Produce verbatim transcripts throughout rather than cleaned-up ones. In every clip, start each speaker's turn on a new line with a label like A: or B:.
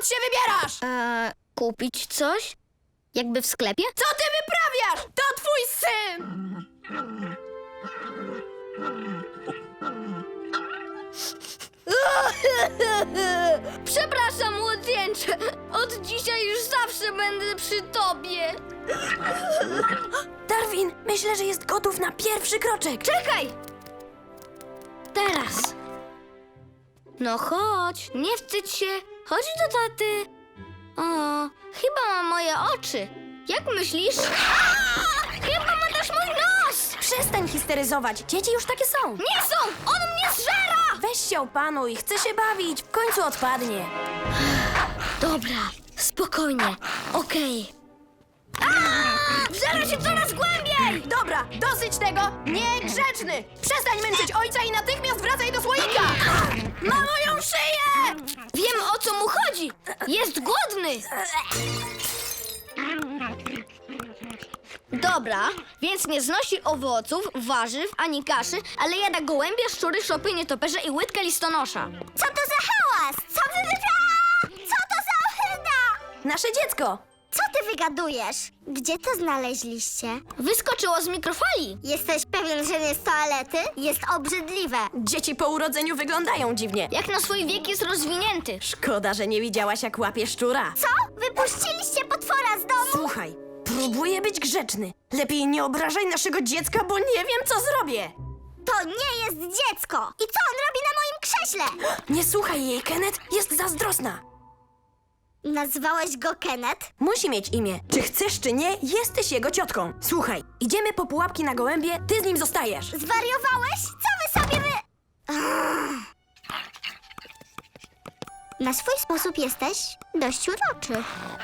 A: dokąd się wybierasz?
B: Eee, kupić coś? Jakby w sklepie?
A: Co ty wyprawiasz? To twój syn!
B: Przepraszam, młodzieńcze. Od dzisiaj już zawsze będę przy tobie.
A: Darwin, myślę, że jest gotów na pierwszy kroczek.
B: Czekaj! Teraz. No chodź, nie wstydź się. Chodź do taty. O, chyba ma moje oczy. Jak myślisz? Aaa! Chyba ma też mój nos!
A: Przestań histeryzować, dzieci już takie są.
B: Nie są! On mnie zżera!
A: Weź się opanuj, chcę się bawić, w końcu odpadnie.
B: Dobra, spokojnie, okej. Aaa! Zżera się coraz głębiej!
A: Dobra, dosyć tego! Niegrzeczny! Przestań męczyć ojca i natychmiast wracaj do słoika! Ma moją szyję!
B: Wiem, o co mu chodzi! Jest głodny! Dobra, więc nie znosi owoców, warzyw, ani kaszy, ale jada gołębie, szczury, szopy, nietoperze i łydkę listonosza.
C: Co to za hałas? Co wy wypra... Co to za ohyda?
A: Nasze dziecko!
C: Co ty wygadujesz? Gdzie to znaleźliście?
B: Wyskoczyło z mikrofali.
C: Jesteś pewien, że nie z toalety? Jest obrzydliwe.
A: Dzieci po urodzeniu wyglądają dziwnie.
B: Jak na swój wiek jest rozwinięty.
A: Szkoda, że nie widziałaś, jak łapie szczura.
C: Co? Wypuściliście potwora z domu?
A: Słuchaj, próbuję być grzeczny. Lepiej nie obrażaj naszego dziecka, bo nie wiem, co zrobię.
C: To nie jest dziecko. I co on robi na moim krześle?
A: Nie słuchaj jej, Kenneth, jest zazdrosna.
C: Nazwałeś go Kenneth?
A: Musi mieć imię. Czy chcesz, czy nie, jesteś jego ciotką. Słuchaj, idziemy po pułapki na gołębie, ty z nim zostajesz.
C: Zwariowałeś? Co wy sobie wy... Ach. Na swój sposób jesteś dość uroczy.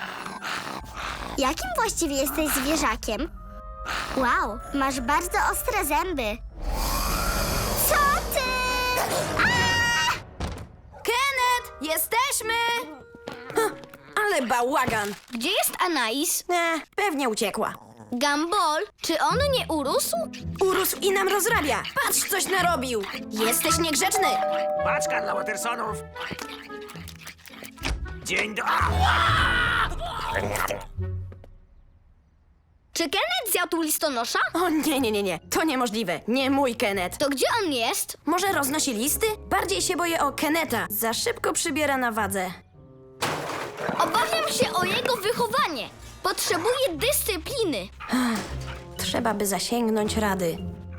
C: Jakim właściwie jesteś zwierzakiem? Wow, masz bardzo ostre zęby. Co ty? Aaa!
A: Kenneth, jesteśmy! Huh, ale bałagan.
B: Gdzie jest Anais?
A: E, pewnie uciekła.
B: Gumball, czy on nie urósł?
A: Urósł i nam rozrabia. Patrz, coś narobił. Jesteś niegrzeczny.
D: Paczka dla Watersonów. Dzień do...
B: Czy Kenneth zjadł listonosza?
A: O nie, nie, nie, nie. To niemożliwe. Nie mój Kenneth.
B: To gdzie on jest?
A: Może roznosi listy? Bardziej się boję o Kenneta. Za szybko przybiera na wadze.
B: Obawiam się o jego wychowanie. Potrzebuje dyscypliny.
A: Trzeba by zasięgnąć rady.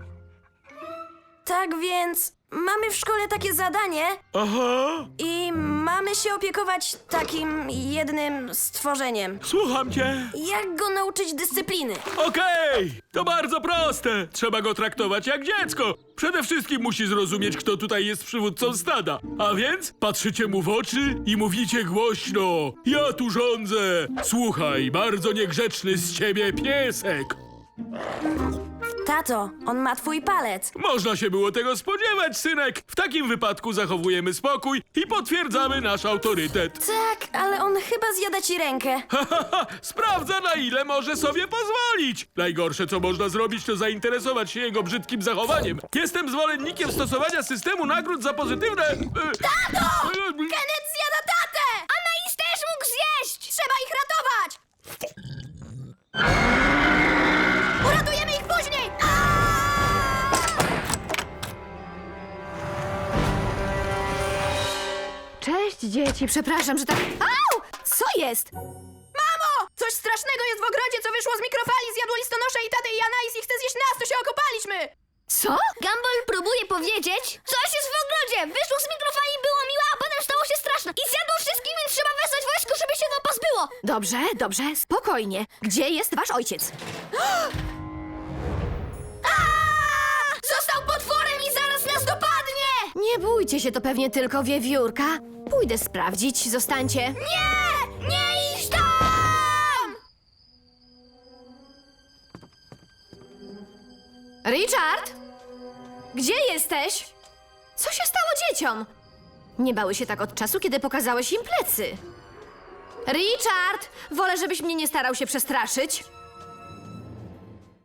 A: Tak więc mamy w szkole takie zadanie
E: Aha,
A: i mamy się opiekować takim jednym stworzeniem.
E: słucham cię.
A: Jak go nauczyć dyscypliny?
E: Okej, to bardzo proste. Trzeba go traktować jak dziecko. Przede wszystkim musi zrozumieć, kto tutaj jest przywódcą stada. A więc patrzycie mu w oczy i mówicie głośno. Ja tu rządzę. Słuchaj, bardzo niegrzeczny z ciebie piesek.
A: Tato, on ma twój palec.
E: Można się było tego spodziewać, synek. W takim wypadku zachowujemy spokój i potwierdzamy nasz autorytet.
A: Tak, ale on chyba zjada ci rękę.
E: Sprawdza, na ile może sobie pozwolić. Najgorsze, co można zrobić, to zainteresować się jego brzydkim zachowaniem. Jestem zwolennikiem stosowania systemu nagród za pozytywne... Tato!
A: Kenneth zjada tatę!
B: Anais też mógł zjeść!
A: Trzeba ich ratować! Uratujemy ich później!
F: Cześć, dzieci. Przepraszam, że tak...
A: Au! Co jest? Mamo! Coś strasznego jest w ogrodzie, co wyszło z mikrofali, zjadło listonosza i tatę i Anais i chce zjeść nas, to się okopaliśmy!
F: Co?
B: Gumball próbuje powiedzieć, coś jest w ogrodzie. Wyszło z mikrofali, było miłe, a potem stało się straszne. I zjadło wszystkich, więc trzeba wezwać wojsko, żeby się go pozbyło.
F: Dobrze, dobrze, spokojnie. Gdzie jest wasz ojciec?
B: Został potworem i zaraz nas dopadnie!
F: Nie bójcie się, to pewnie tylko wiewiórka. Pójdę sprawdzić, zostańcie.
B: Nie! Nie idź tam!
F: Richard? Gdzie jesteś? Co się stało dzieciom? Nie bały się tak od czasu, kiedy pokazałeś im plecy. Richard! Wolę, żebyś mnie nie starał się przestraszyć.